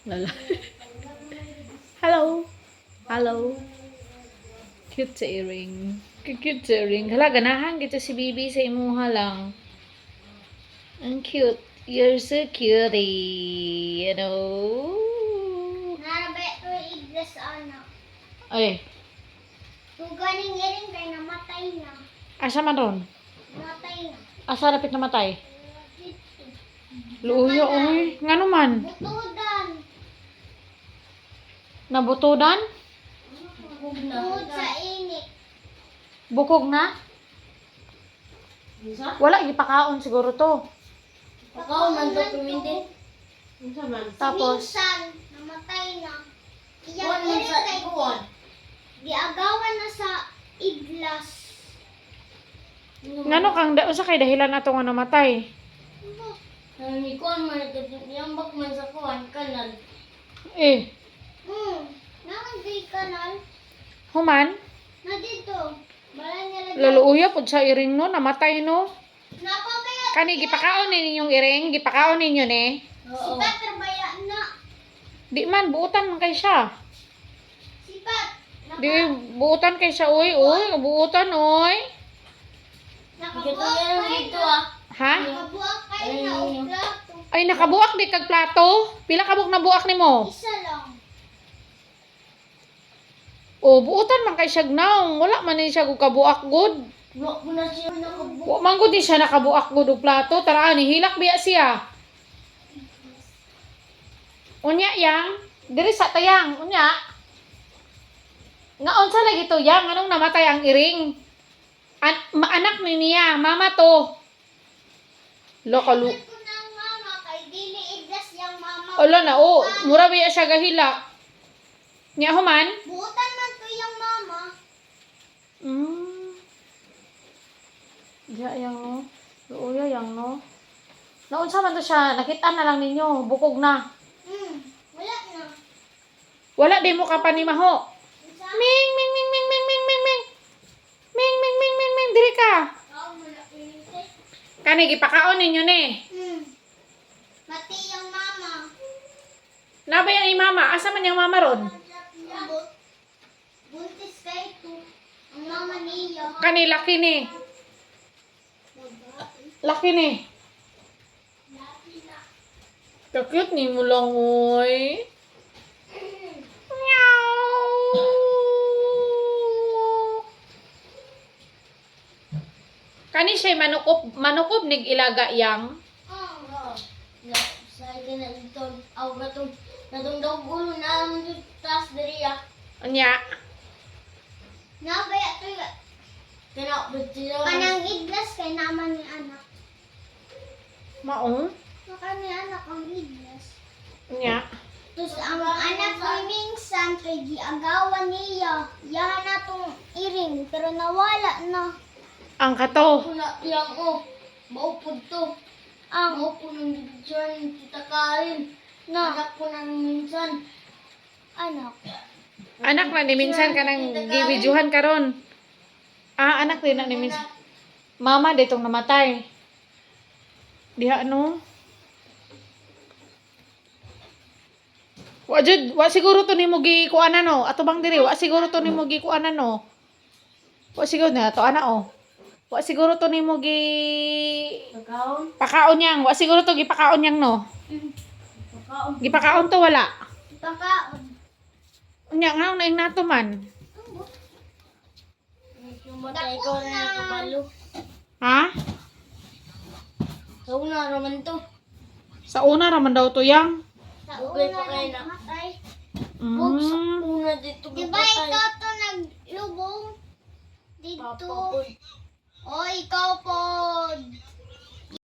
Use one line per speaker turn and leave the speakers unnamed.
Lala. Hello. Hello. Cute sa earring. Cute sa earring. Hala, ganahan kita si Bibi sa imuha lang. Ang cute. You're so cutie. You know?
Narabe to iglas ano.
Ay,
Tuganing iring kay namatay na.
asa man ron?
Namatay na.
Asa rapit namatay? Luuyo, oy. Nga naman?
Butudan.
Nabutudan?
Tungod sa init.
Bukog na? Wala, ipakaon siguro to.
Pakaw man to kumindi.
Tapos,
Minsan, namatay na. Iyang iring kay giagawan na sa iglas.
ngano kang unsa kay dahilan ato nga namatay?
Ni kuan man yung bak man sa kuan kanal.
Eh,
Nakagay kanal.
human?
Na dito. Bala niya
Laluuya pud sa iring no, namatay no.
napabaya.
Kani gipakaon ninyong iring, gipakaon ninyo ni.
Sipat terbaya na.
Di man buutan man kay siya.
Sipat.
Di buutan kay siya oy, buutan oy.
Nakabuak kayo dito ah.
Ha?
Nakabuak kayo na plato.
Ay nakabuak di kag plato. Pila ka buk nabuak nimo?
Isa lang.
O buutan man kay siya gnaong, wala man ni siya kog kabuak gud.
Wala ko na siya nakabuak.
Wa man gud ni siya nakabuak gud og plato, tara ni hilak biya siya. Unya yang, diri sa tayang, unya. Nga unsa lagi to yang, anong namatay ang iring? Anak ni niya, mama to. Lokalu.
Ko ng mama kay dili igdas yang mama.
Ala na o, mura biya siya gahilak. Nya human?
Buutan man to yung mama.
Ya yang no. Luya yang no. Naunsa man to siya, nakita na lang ninyo, bukog na.
Wala na.
Wala di mo ka panimaho.
Isa.
Ming ming ming ming ming ming ming ming. Ming ming ming ming ming diri ka.
Wala pinite.
Kani gipakaon ninyo ni.
Mati yung mama.
Nabay ang imama, asa man yung mama ron?
Buntis kay to. Ang mama niya.
Kani laki ni. Laki ni. Cute ni mo lang oy. Meow. Kani siya manukob nig ilaga yang.
Oo. Sa akin na dito. Aw batong natong daw gulo na ang tas diriya.
Anya.
Nabaya to ya. Kanang iglas kay naman ni anak.
Mao.
Maka ni anak ang iglas.
Anya.
Tapos ang anak ko minsan kay giagawan niya. Yahan na tong iring pero nawala na.
Ang kato.
Kuna yang maupod to. Ang maupod ng dyan kita Karin. Na. Anak ko nang minsan. Anak.
Anak na ni minsan ka nang gibidyuhan karon. Ah, anak din na ni minsan. Mama ditong namatay. Diha no. Wa siguro to nimo gikuanan no. Ato bang diri, wa siguro to nimo gikuanan no. Wa siguro na to ana oh. Wa siguro to nimo pakaon yang, wa siguro to gipakaon yang no. Gipakaon to wala.
Pakaon.
Unya nga na nato man.
Matay ko na kabalo.
Ha?
Sa una raman to.
Sa una raman daw to yang.
Sa una pa kayo na. Matay.
Mm.
Una dito. Diba ikaw to naglubong? Dito. O ikaw po.